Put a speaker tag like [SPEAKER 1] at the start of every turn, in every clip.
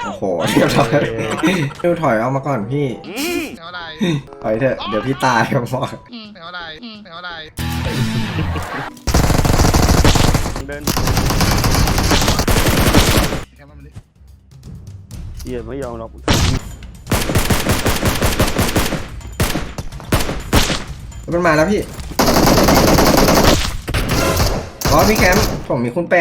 [SPEAKER 1] โอ้โหเรียบร้อยดูถอยออกมาก่อนพี่
[SPEAKER 2] ไม่เอาอะไร
[SPEAKER 1] ถอยเถอะเดี๋ยวพี่ตายผมบอก
[SPEAKER 2] ไม่เอาอะไรไม่เอาอะไร
[SPEAKER 3] เดิน
[SPEAKER 2] แค่มันดิ
[SPEAKER 3] เหี้ยไม่ยอมหรอก
[SPEAKER 1] มันมาแล้วพี่อ๋อพี่แคมป์ผมมีคุณแปร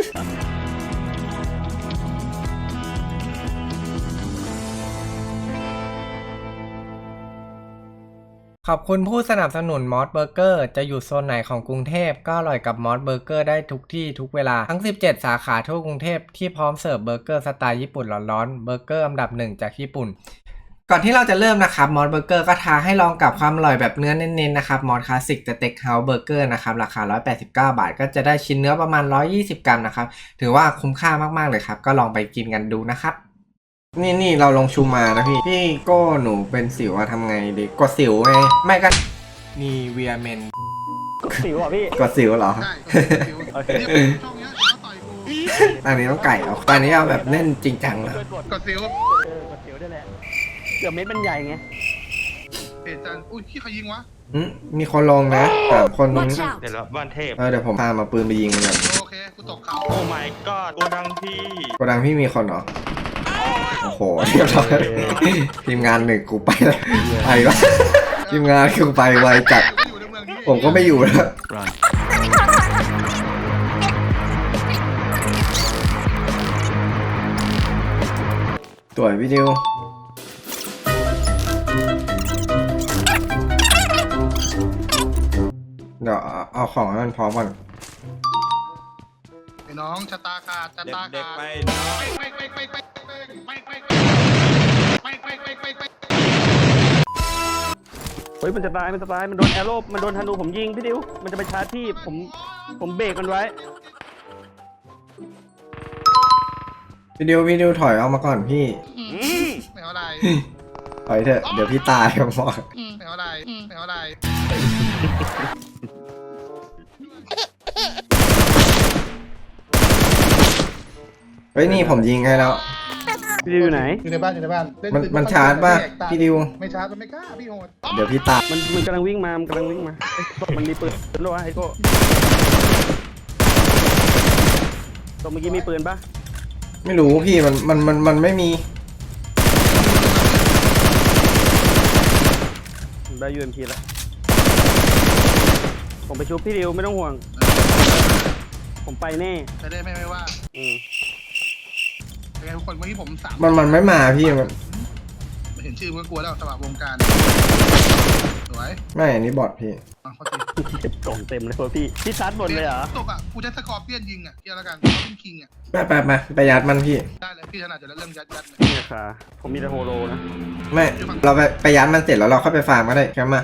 [SPEAKER 1] ขอบคุณผู้สนับสนุนมอสเบอร์เกอร์จะอยู่โซนไหนของกรุงเทพก็อร่อยกับมอสเบอร์เกอร์ได้ทุกที่ทุกเวลาทั้ง17สาขาทั่วกรุงเทพที่พร้อมเสิร์ฟเบอร์เกอร์สไตล์ญี่ปุ่นร้อนๆเบอร์เกอร์อันดับหนึ่งจากญี่ปุ่นก่อนที่เราจะเริ่มนะครับมอสเบอร์เกอร์ก็ท้าให้ลองกับความอร่อยแบบเนื้อเน้นๆนะครับมอสคลาสสิกสเต็กเฮาส์เบอร์เกอร์นะครับราคา189 บาทก็จะได้ชิ้นเนื้อประมาณ120 กรัมนะครับถือว่าคุ้มค่ามากๆเลยครับก็ลองไปกินกันดูนะครับนี่เราลงชูมานะพี่โก้หนูเป็นสิวทำไงดีกดสิวไงไม่ก็นี่เวียเมน
[SPEAKER 3] สิวอ่ะพี่
[SPEAKER 1] กดสิวเหรอ
[SPEAKER 2] ได้คิว
[SPEAKER 3] โอเค
[SPEAKER 2] ช่องเนี้ยเขาต่อยกู
[SPEAKER 1] อันนี้ต้องไก่เอาตอนนี้เอาแบบเล่นจริงจังนะ
[SPEAKER 2] กดซิว
[SPEAKER 3] กดสิวได้แหละเกือบเม็ดมันใหญ่ไง
[SPEAKER 2] เพจจันอุ้ยที่ใครยิงวะ
[SPEAKER 1] มีคนลงนะ3 คนตรงนี้
[SPEAKER 4] เดี๋ยวเราบ้านเทพ
[SPEAKER 1] เดี๋ยวผมพามาปืนไปยิงเลย
[SPEAKER 2] โอเคกูตกเขา
[SPEAKER 4] โอ้ my god โกดังพี่
[SPEAKER 1] โกดังพี่มีคนเหรอโอ้โหเรียบร้อยทีมงานหนึ่งกูไปแล้วไปวะทีมงานกูไปไวจัด
[SPEAKER 2] อยู่ในเมืองนี้
[SPEAKER 1] ผมก็ไม่อยู่แล้วสวยพี่ดิวเดี๋ยวเอาของให้มันพร้อมก่อน
[SPEAKER 2] ไอ้น้องชะตาขาดชะตา
[SPEAKER 4] เด็ก
[SPEAKER 2] ขาด
[SPEAKER 4] ๆไป
[SPEAKER 3] เฮ้ยมันจะตายมันโดนแอโร่มันโดนธนูผมยิงพี่ดิวมันจะไปชาร์จที่ผมเบรกมันไว้
[SPEAKER 1] พี่ดิวถอยออกมาก่อนพี่
[SPEAKER 2] ไม่เอาอะไร
[SPEAKER 1] ถอยเถอะเดี๋ยวพี่ตายผมบอก
[SPEAKER 2] ไม่เอาอะไรไม่เอาอะไร
[SPEAKER 1] เฮ้ยนี่ผมยิงให้แล้ว
[SPEAKER 3] พี่ดิวอยู่ไหน
[SPEAKER 2] อยู่ในบ้านอยู่ในบ้าน
[SPEAKER 1] มันชาร์จป่ะพี่ดิว
[SPEAKER 2] ไม่ชาร์จมันไม่กล้าพี่โหด
[SPEAKER 1] เดี๋ยวพี่ตาย
[SPEAKER 3] มันกำลังวิ่งมามันกำลังวิ่งมาเอ้ยมันมีปืนหรอวะไอ้โก้ตรงเมื่อกี้มีปืนปะ
[SPEAKER 1] ไม่รู้พี่มันไม่มี
[SPEAKER 3] ได้ UMP แล้วผมไปชุบพี่ดิวไม่ต้องห่วง ผมไปแน่
[SPEAKER 2] จะได้ไม่ว่า
[SPEAKER 3] อืม
[SPEAKER 2] เป็นไงทุกคนเมื่อกี้ผม3
[SPEAKER 1] มันไม่มาพี่มัน
[SPEAKER 2] เห็นชื่อก็กลัวแล้วสมัครวงการสวย
[SPEAKER 1] ไม่อันนี้บอทพี่
[SPEAKER 2] เขาตี
[SPEAKER 3] เก็บกล่องเต็มเลยว่ะพี่ชาร์จหมดเลยเหรอ
[SPEAKER 2] ตกอ่ะกูจะสกอร์เปียนยิงอ่ะเกี่ยวแล้วกันต้องคิงอ่ะ
[SPEAKER 1] ไปยัดมันพี่
[SPEAKER 2] ได้เลยพี่ถนัดอยู่แล้วเรื่องยัดเลย
[SPEAKER 3] เนี่ยค่ะผมมีแต่โฮโลนะ
[SPEAKER 1] ไม่เราไปยัดมันเสร็จแล้วเราค่อยไปฟาร์มก็ได้แค่มา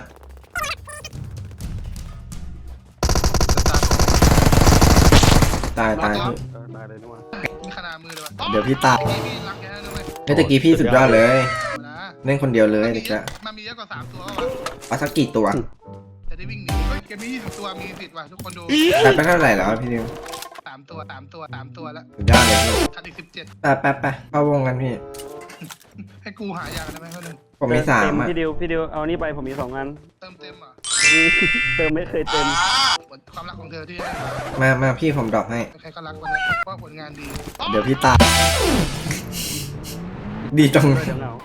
[SPEAKER 1] ตายพี่
[SPEAKER 3] ตายเลยนี่หว่า
[SPEAKER 2] มีขนาดมือเลยวะ
[SPEAKER 1] เดี๋ยวพี่ตาย
[SPEAKER 2] พี่รักแกนะเว้ย
[SPEAKER 1] เฮ้ยตะกี้พี่สุดยอดเลย
[SPEAKER 2] นะ
[SPEAKER 1] เล่นคนเดียวเลยเด็กละ
[SPEAKER 2] มันมีเยอะกว่า3ตัววะ
[SPEAKER 1] เอาสักกี่ตัว
[SPEAKER 2] จะได้วิ่งหนีเฮ้ยเกมนี้20ตัวมีสิทธิ์ว่ะทุกคนดู
[SPEAKER 1] แต่ไปเท่าไหร่แล้วพี่นิว
[SPEAKER 2] 3ตัวแล้ว
[SPEAKER 1] สุดยอดเลยพี่
[SPEAKER 2] ขาดอีก17
[SPEAKER 1] ไปเข้าวงกันพี่
[SPEAKER 2] ให้กูหายาได้ไหมเพื่อน
[SPEAKER 1] ผมมี3
[SPEAKER 3] เต็
[SPEAKER 1] อ่ะ
[SPEAKER 3] พี่ดิวเอานี่ไปผมมี2 อัน
[SPEAKER 2] เติมเต็มอ่ะ
[SPEAKER 3] เติมไม่เคยเต็ม
[SPEAKER 2] ความรักของเธอที่
[SPEAKER 1] มาพี่ผมดรอปให้
[SPEAKER 2] ใครก็รักวันนี้เพราะผลงานดี
[SPEAKER 1] เดี๋ยวพี่ตายดีตรง
[SPEAKER 3] เดี๋ยวเหงา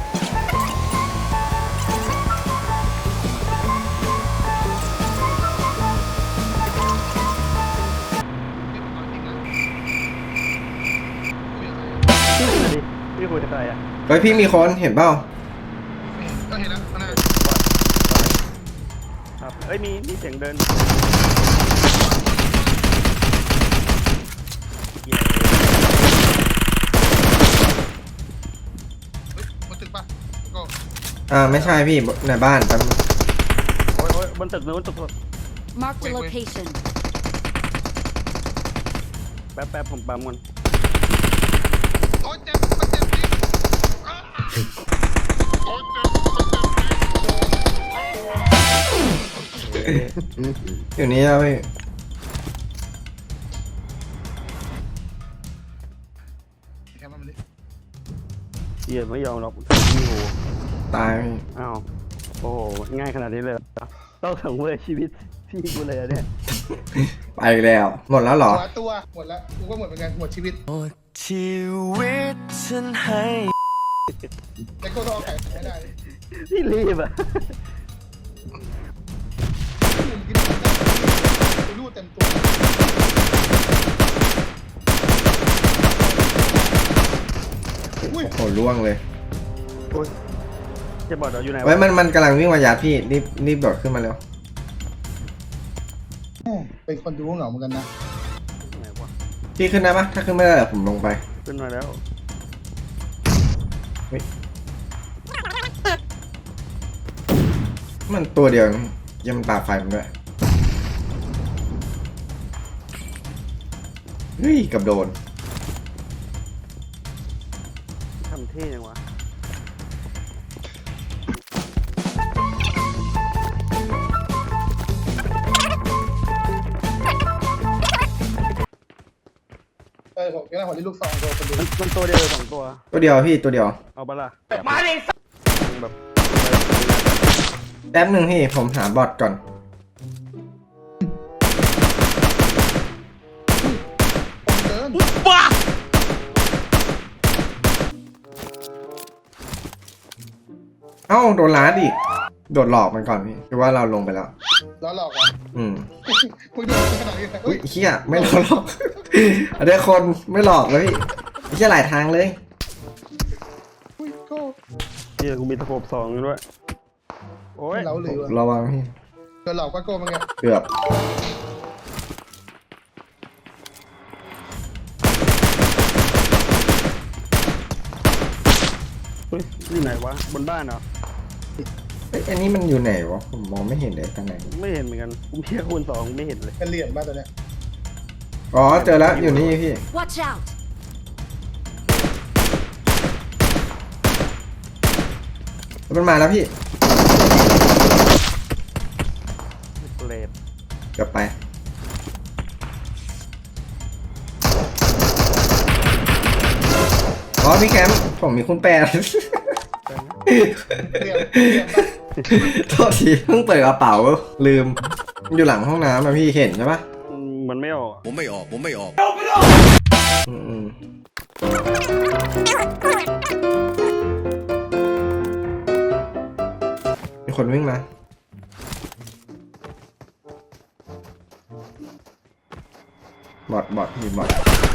[SPEAKER 3] พี่คุยกับใครอ่ะ
[SPEAKER 1] เฮ้ยพี่มีคนเห็นเปล่า
[SPEAKER 2] ก็เห็นแล้วนะ
[SPEAKER 3] ครับเอ้ยมีเสียงเดิน
[SPEAKER 2] บนตึกปะก็
[SPEAKER 1] ไม่ใช่พี่ในบ้านแป๊บนึง
[SPEAKER 3] โอ้ยบนตึกนู้นตึก
[SPEAKER 5] Mark the location.
[SPEAKER 3] แป๊บผมปั๊มก่อน
[SPEAKER 2] โอ้เจ็บมันเจ็บจริงโอ้เจ็บ
[SPEAKER 1] อยู่นี่แล้วพี่
[SPEAKER 2] แค่มันดิ
[SPEAKER 3] หี้ยไม่ยอมหรอกพี่โห
[SPEAKER 1] ตายพี่
[SPEAKER 3] อ้าวโอ้โหง่ายขนาดนี้เลยเหรอต้องสังเวยชีวิตพี่กูเลยอะเนี่ย
[SPEAKER 1] ไปแล้วหมดแล้วเหรอ
[SPEAKER 2] หัวตัวหมดแล้วกูก็หมดเหมือนกันหมดชีวิต
[SPEAKER 6] ชีวิตฉันให้
[SPEAKER 2] แต่ก็ต้องเอาไข่ไม่ได้
[SPEAKER 3] พี่รีบอ่ะ
[SPEAKER 2] ผมกินได้กูรูดเต็มตัวอุ้ย
[SPEAKER 1] โอ้โหล่วงเลย
[SPEAKER 3] จะบอกเราอยู่ไหน
[SPEAKER 1] ไว้
[SPEAKER 3] วะ
[SPEAKER 1] มันกำลังวิ่งมายัดพี่รีบโดดขึ้นมาเร็ว
[SPEAKER 2] เป็นคนดูเหงาเหมือนกันนะ
[SPEAKER 3] ไหนวะ
[SPEAKER 1] พี่ขึ้นได้ปะถ้าขึ้นไม่ได้เดี๋ยวผมลงไป
[SPEAKER 3] ขึ้นมาแล้ว
[SPEAKER 1] มันตัวเดียวยังมันปาไฟมันด้วยเฮ้ยกับโดน
[SPEAKER 3] ทำเท่ยังวะ
[SPEAKER 2] ผมก็ได้ผมได้ลูกซองโดนคนดู
[SPEAKER 3] มันตัวเดียวหรือสองตัว
[SPEAKER 1] ตัวเดียวพี่ตัวเดียว
[SPEAKER 3] เอาปะล่ะมาดิแบบ
[SPEAKER 1] แป๊บหนึ่งพี่ผมหาบอทก่อน
[SPEAKER 2] เดิน
[SPEAKER 1] เอ้าโดนล้าดอีกโดดหลอกมันก่อนพี่คือว่าเราลงไปแล้ว
[SPEAKER 2] ล้อหลอกอ่ะ
[SPEAKER 1] อืม
[SPEAKER 2] มึงดูขนาดนี้เลย
[SPEAKER 1] อุ้ยเฮียไม่หลอกหรอก อันนี้คนไม่หลอกเลยพี่เฮียหลายทางเลย
[SPEAKER 2] อุ้ยก็
[SPEAKER 3] เฮียกูมีตะโขบสองด้วยโอ้ย
[SPEAKER 2] เราหรือ
[SPEAKER 1] ระวังพี่
[SPEAKER 2] โดนหลอกก็โก้มึงไง
[SPEAKER 1] เกือบ
[SPEAKER 3] เฮ้ยอยู่ไหนวะบนบ้านเหรอ
[SPEAKER 1] เอ้ยอันนี้มันอยู่ไหนวะผมมองไม่เห็นเลยตรงไหน
[SPEAKER 3] ไม่เห็นเหมือนกันกูเพียคูณสองไม่เห็นเลย
[SPEAKER 2] เป็นเหรียญบ้านตัวเนี้ย
[SPEAKER 1] อ๋อเจอแล้วอยู่นี่พี่
[SPEAKER 5] Watch out!
[SPEAKER 1] มันมาแล้วพี่
[SPEAKER 3] เกรด
[SPEAKER 1] เกือบไปอ๋อพี่แคมป์ผมมีคุณแปร
[SPEAKER 2] เหรียญปะ
[SPEAKER 1] โทษทีเพิ่งเปิดกระเป๋าลืมมันอยู่หลังห้องน้ำอะพี่เห็นใช่ปะ
[SPEAKER 3] มันไม่ออก
[SPEAKER 6] ผมไม่ออก ผมไม่ออก
[SPEAKER 1] อืมมีคนวิ่งมาบอทมีบอท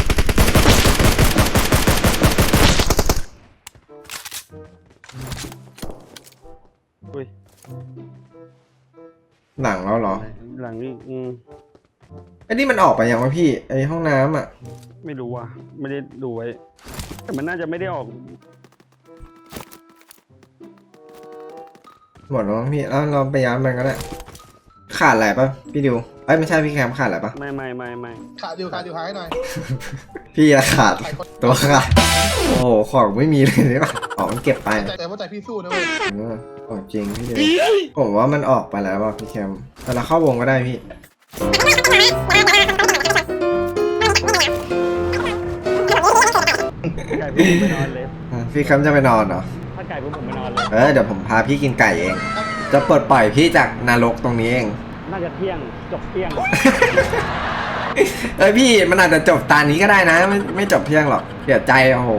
[SPEAKER 3] อุ้ย
[SPEAKER 1] หลังแล้วเหรอ
[SPEAKER 3] หลังนี้
[SPEAKER 1] ไอ้นี่มันออกไปยังวะพี่ไอ้ห้องน้ำอ่ะ
[SPEAKER 3] ไม่รู้ว่ะไม่ได้ดูไว้แต่มันน่าจะไม่ได้ออก
[SPEAKER 1] หมดแล้วมั้งพี่แล้วเราไปย้ายมันก็ได้ขาดอะไรปะพี่ดิวเอ้ยไม่ใช่พี่แคมขาดอะไรปะ
[SPEAKER 3] ไม่
[SPEAKER 2] ขาดิวหายหน่อย
[SPEAKER 1] พี่อะขาดตัวขาดโอ้โหของไม่มีเลยนี่ปะของมันเก็บไป
[SPEAKER 2] แต่ว่าใจพี่สู้นะเว้ย
[SPEAKER 1] ของจริงพี่ดิวผมว่ามันออกไปแล้วว่ะพี่แคมแต่เราเข้าวงก็ได้พี่
[SPEAKER 3] ไก่พวกผมไปนอนเลย
[SPEAKER 1] พี่แคมจะไปนอนเหรอ
[SPEAKER 3] ถ้าไก่พวกผมไปนอนเลย
[SPEAKER 1] เดี๋ยวผมพาพี่กินไก่เอง จะปลดปล่อยพี่จากนรกตรงนี้เอง
[SPEAKER 3] น่าจะเที่ยงจบเที่ยง
[SPEAKER 1] เอ้ยพี่มันอาจจะจบตานี้ก็ได้นะไม่จบเพียงหรอกเสียใจโอ้โห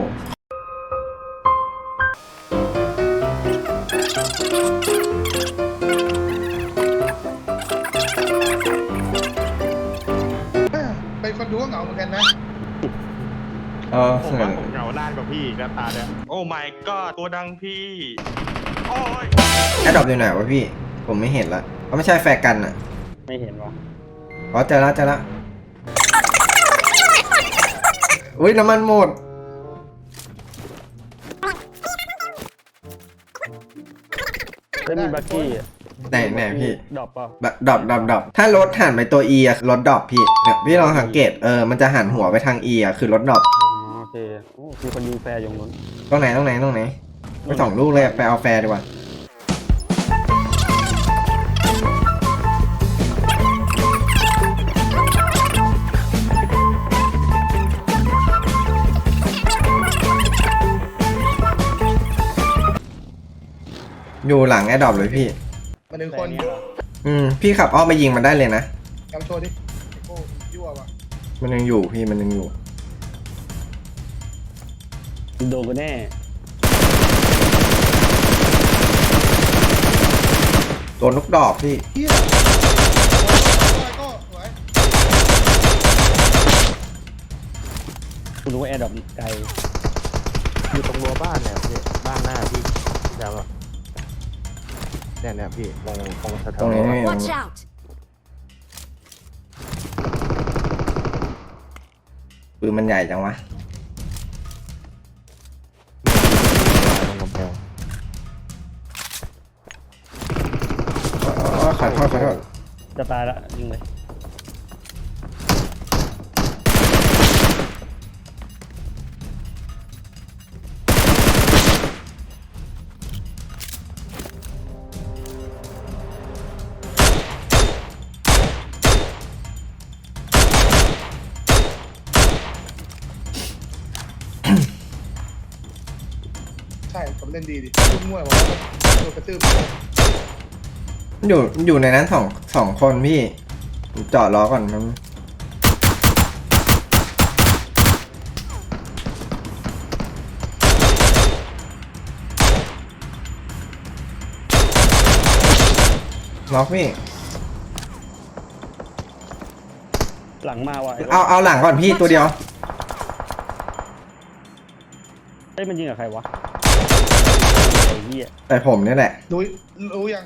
[SPEAKER 2] เป็นคนดูก็เหงาเหมือนกันนะ
[SPEAKER 4] ผมว่าผมเหงาด้านกว่าพี่อีกแล้วตาเนี่ยโอ้ my god ตัวดังพี่ โอ้ย
[SPEAKER 1] แอดดอปอยู่ไหนวะพี่ ผมไม่เห็นละเขาไม่ใช่แฟร์กันอ่ะ
[SPEAKER 3] ไม่เห็นวะ
[SPEAKER 1] อ๋อเจอแล้วอุ้ยน้ำมันหมด
[SPEAKER 3] แล้วมีบักกี้อะ
[SPEAKER 1] ไหนพี่
[SPEAKER 3] ดรอปเปล่า
[SPEAKER 1] ดรอปถ้ารถหันไปตัว E อะรถดรอปพี่เนี่ยพี่ลองสังเกตมันจะหันหัวไปทาง E อะคือรถดรอป
[SPEAKER 3] อ๋อโอเคโอ้มีคนยิงแฟร์อยู่นู้น
[SPEAKER 1] ตรงไหนไปสองลูกเลยไปเอาแฟร์ดีกว่าอยู่หลังแอร์ดรอปเลยพี่
[SPEAKER 2] มาหนึ่ง
[SPEAKER 3] แต่
[SPEAKER 2] คน
[SPEAKER 3] เนี้ยเหรอ
[SPEAKER 1] พี่ขับอ้อมไปยิงมันได้เลยนะ
[SPEAKER 2] กำโชว์ดิไอ้โก้ยั่วว่ะ
[SPEAKER 1] มันยังอยู่พี่มันยังอยู่
[SPEAKER 3] โดนกูแน่
[SPEAKER 1] โดนลูกดอกพี่
[SPEAKER 2] เฮียโก้สวย
[SPEAKER 3] กูรู้ว่าแอร์ดรอปไกล
[SPEAKER 7] อยู่ตรงรั้วบ้านเนี่ยพี่บ้านหน้าพี่จำป่ะเนี่ยพี่ตรงแถว
[SPEAKER 1] ตรงนี้
[SPEAKER 5] Watch out!
[SPEAKER 1] ปืนมันใหญ่จังวะ
[SPEAKER 7] ตรงกำแพง
[SPEAKER 1] ขอโทษ
[SPEAKER 3] จะตายละยิงเลย
[SPEAKER 2] ใช่ผมเล่นดีดิยุ่งมั่วบอกว่าโดนกระตืบ
[SPEAKER 1] อยู่ในนั้นสองคนพี่ผมจอดล้อก่อนมันล็อกพี่
[SPEAKER 3] หลังมาว่ะ
[SPEAKER 1] เอาหลังก่อนพี่ตัวเดียว
[SPEAKER 3] เฮ้ยมันยิงกับใครวะไอ้เหี้ย
[SPEAKER 1] แต่ผมนี่แหละ
[SPEAKER 2] รู้ยัง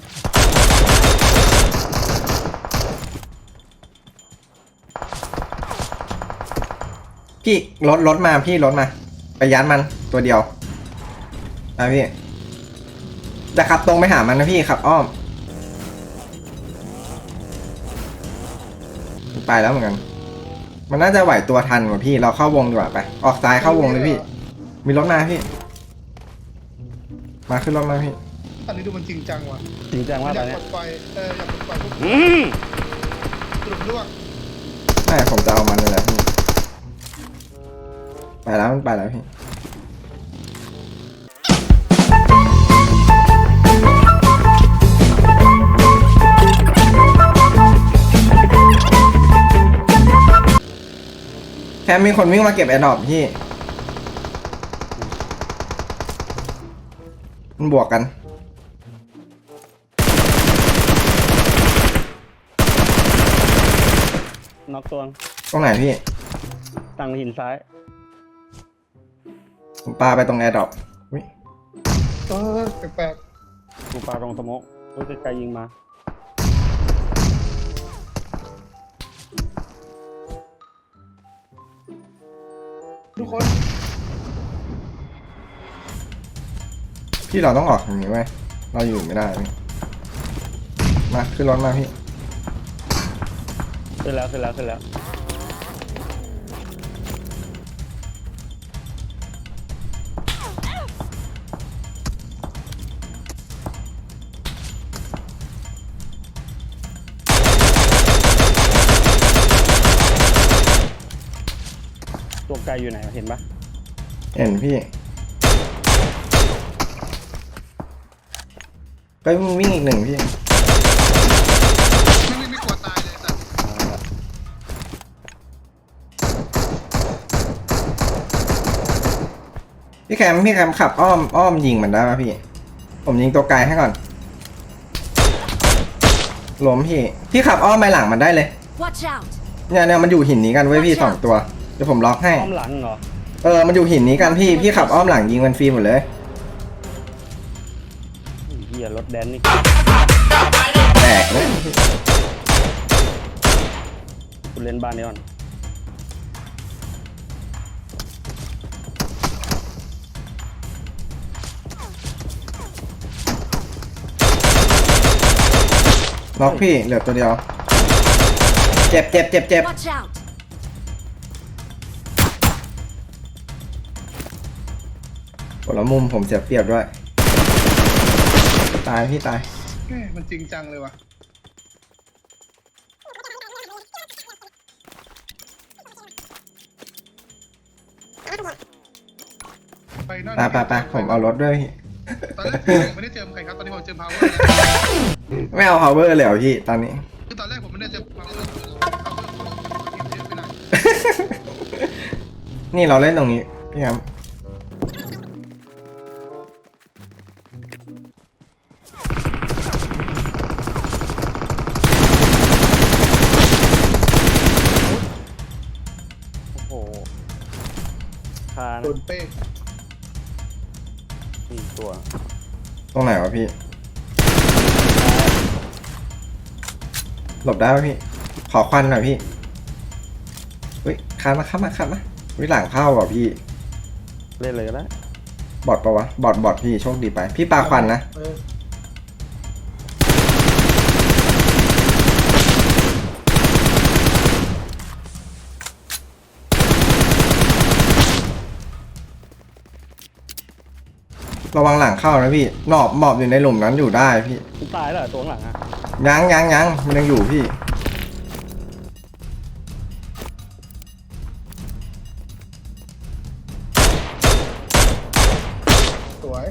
[SPEAKER 1] พี่รถมาพี่รถมา ไปยัดมันตัวเดียวนะพี่จะขับตรงไปหามันนะพี่ขับอ้อมไปแล้วเหมือนกัน มันน่าจะไหวตัวทันกว่าพี่เราเข้าวงดีกว่าไปออกซ้ายเข้าวงเลยพี่ มีรถมาพี่ มาขึ้นรถมาพี่
[SPEAKER 2] อันนี้ดูมันจริงจังว่ะ
[SPEAKER 3] จริงจัง
[SPEAKER 2] อ
[SPEAKER 3] มาก
[SPEAKER 2] ยา
[SPEAKER 3] ตอก นเนี้
[SPEAKER 2] ปล
[SPEAKER 3] ย
[SPEAKER 2] ดไฟอยากปลดไฟพวก
[SPEAKER 3] อืม
[SPEAKER 2] กลุ่มล่วง
[SPEAKER 1] ไม่ผมจะเอามันเลยแหละพี่ไปแล้วมันไปแล้วพี่แค่มีคนวิ่งมาเก็บแอร์ดรอปพี่มันบวกกัน
[SPEAKER 3] น็อกตัว
[SPEAKER 1] ตรงไหนพี่
[SPEAKER 3] ตั้งหินซ้าย
[SPEAKER 1] ผมปาไปตรงแอร์ดรอป
[SPEAKER 2] แปลก
[SPEAKER 3] กูปาตรงสโมกกูไกลๆยิงมา
[SPEAKER 2] ๆทุกคน
[SPEAKER 1] พี่เราต้องออกอย่างนี้ไว้ยเราอยู่ไม่ได้พี่มาขึ้นรถมาพี่
[SPEAKER 3] ขึ้นแล้ว ตัวไกลอยู่ไหนวะเห็นปะ
[SPEAKER 1] เห็นพี่ก็วิ่งอีกหนึ่งพี่
[SPEAKER 2] ไม่กลัวตายเลยสัตว์
[SPEAKER 1] พี่แคมขับอ้อมยิงมันได้ป่ะพี่ ผมยิงตัวไกลให้ก่อนล้มพี่ขับอ้อมไปหลังมันได้เลย
[SPEAKER 5] Watch out!
[SPEAKER 1] เนี่ยมันอยู่หินนี้กันเว้ยพี่สองตัวเดี๋ยวผมล็อกให้
[SPEAKER 3] อ้อมหลังเหรอ
[SPEAKER 1] มันอยู่หินนี้กันพี่ขับอ้อมหลังยิงมันฟรีหมดเลย
[SPEAKER 3] ไอ้เหี้ยรถแดนนี่
[SPEAKER 1] แตกเลย
[SPEAKER 3] กูเล่นบ้านนี้ก่อน
[SPEAKER 1] ล็อกพี่เหลือตัวเดียว เจ็บ
[SPEAKER 5] Watch out!
[SPEAKER 1] คนละมุมผมเสียเปรียบด้วย ตายพี่ตาย
[SPEAKER 2] แม่มันจริงจังเลยว่ะไปนั่น
[SPEAKER 1] ไปผมเอารถด้วยพี่
[SPEAKER 2] ตอนแรกผมไม่ได้เจอใครครับตอนนี้ผมเจอพาวเวอร์แล้ว
[SPEAKER 1] ไม่เอา power เลยเหรอพี่ตอนนี้
[SPEAKER 2] คือตอนแรกผมไม่ได้เจอพาวเวอร์เยอะไปหน่อย
[SPEAKER 1] นี่เราเล่นตรงนี้พี่ครับ
[SPEAKER 3] โอ้โหคา
[SPEAKER 2] โด
[SPEAKER 3] นะ
[SPEAKER 2] นเป้ง
[SPEAKER 3] สี่ตัว
[SPEAKER 1] ตรงไหนวะพี่ หลบได้ไหมพี่ ขอควันหน่อยพี่เฮ้ยคันมาวิหลังเข้าว่ะพี่
[SPEAKER 3] เล่นเลยก็ได้
[SPEAKER 1] บอดปะวะบอดพี่โชคดีไป พี่ปาควันนะ ระวังหลังเข้านะพี่หมอบอยู่ในหลุมนั้นอยู่ได้พี่
[SPEAKER 3] มันตายแล้วเหรอตัวข้างหลังอะ
[SPEAKER 1] ยังมันยังอยู่พี่
[SPEAKER 2] สวย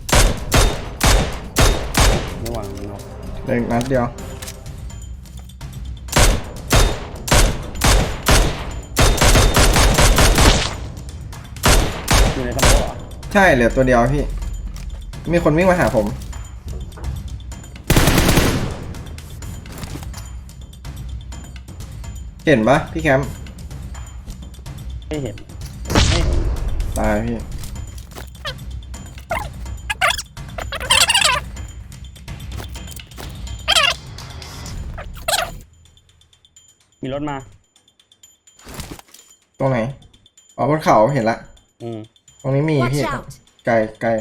[SPEAKER 3] ระวังเนาะ
[SPEAKER 1] เด็กนัดเดียว
[SPEAKER 3] อยู่ในสมองเหรอ
[SPEAKER 1] ใช่เหลือตัวเดียวพี่ มีคนวิ่งมาหาผม เห็นปะพี่แคมป์
[SPEAKER 3] ไม่เห็นไม่เห็น
[SPEAKER 1] ตายพี่
[SPEAKER 3] มีรถมา
[SPEAKER 1] ตรงไหน อ๋อบนเขาเห็นละ
[SPEAKER 3] อืม
[SPEAKER 1] ตรงนี้มี
[SPEAKER 5] Watch
[SPEAKER 1] พี่
[SPEAKER 5] out!
[SPEAKER 1] ไกล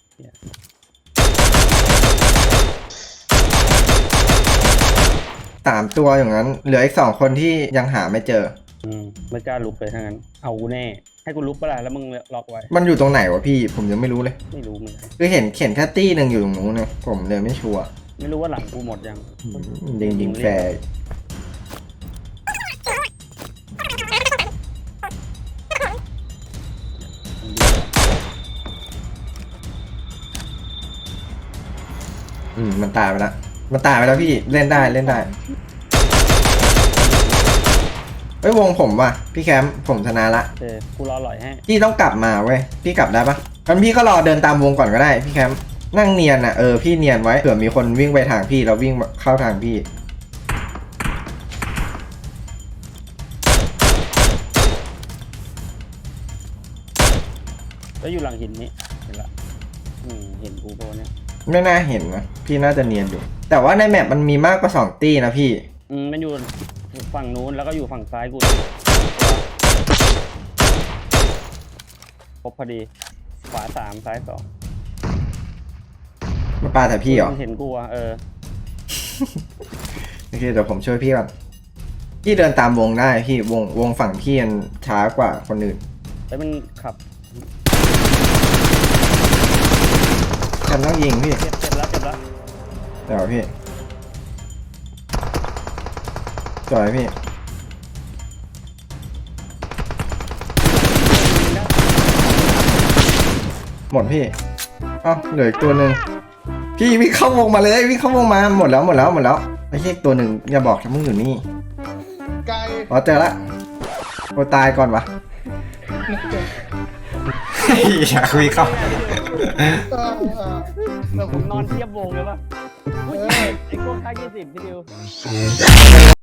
[SPEAKER 1] สามตัวอย่างนั้น เหลืออีก2 คนที่ยังหาไม่เจอ
[SPEAKER 3] อืมไม่กล้าลุกเลยทั้งนั้น เอากูแน่ ให้กูลุกปะล่ะแล้วมึงล็อกไว้
[SPEAKER 1] มันอยู่ตรงไหนวะพี่ ผมยังไม่รู้เลย
[SPEAKER 3] ไม่รู้เหมือนกัน
[SPEAKER 1] คือเห็นแค่ตี้หนึ่งอยู่ตรงนู้นเนี่ยผมเลยไม่ชัวร์
[SPEAKER 3] ไม่รู้ว่าหลังกูหมดยัง
[SPEAKER 1] ยิงแฟร์มันตายไปแล้วพี่เล่นได้เฮ้ยวงผมว่ะพี่แคมป์ผมชนะละ
[SPEAKER 3] โอเคกูรอหล่อยให้
[SPEAKER 1] พี่ต้องกลับมาเว้ยพี่กลับได้ปะงั้นพี่ก็รอเดินตามวงก่อนก็ได้พี่แคมป์นั่งเนียนอ่ะพี่เนียนไว้เผื่อมีคนวิ่งไปทางพี่แล้ววิ่งเข้าทางพี่
[SPEAKER 3] แล้วอยู่หลังหินนี้ เห็นละเห็นกูโบเนี่ย
[SPEAKER 1] ไม่น่าเห็นนะพี่น่าจะเนียนอยู่ แต่ว่าในแมปมันมีมากกว่า2 ตี้นะพี่
[SPEAKER 3] มันอยู่ฝั่งนู้นแล้วก็อยู่ฝั่งซ้ายกูครบพอดี ขวา3ซ้าย2
[SPEAKER 1] มาปาแต่พี่เหรอ
[SPEAKER 3] มันเห็นกูอ่ะ
[SPEAKER 1] โอเคเดี๋ยวผมช่วยพี่ก่อนพี่เดินตามวงได้พี่วงฝั่งพี่มันช้ากว่าคนอื่น
[SPEAKER 3] แล้วมันขับ
[SPEAKER 1] ฉันต้องยิงพี่
[SPEAKER 3] เจ็บแล้ว
[SPEAKER 1] เดี๋ยวพี่จ่อยพี่หมดพี่เอ้าเหลืออีกตัวหนึ่งพี่วิ่งเข้าวงมาเลยวิ่งเข้าวงมาหมดแล้วไอ้เหี้ยตัวหนึ่งอย่าบอกนะมึงอยู่นี่
[SPEAKER 2] ไกล
[SPEAKER 1] อ๋อเจอละโอ้ตายก่อนวะอยากวิ่งเข้า
[SPEAKER 3] ผมนอนเทียบวงเลยป่ะไอ้พวกค่าย20พี่ดิว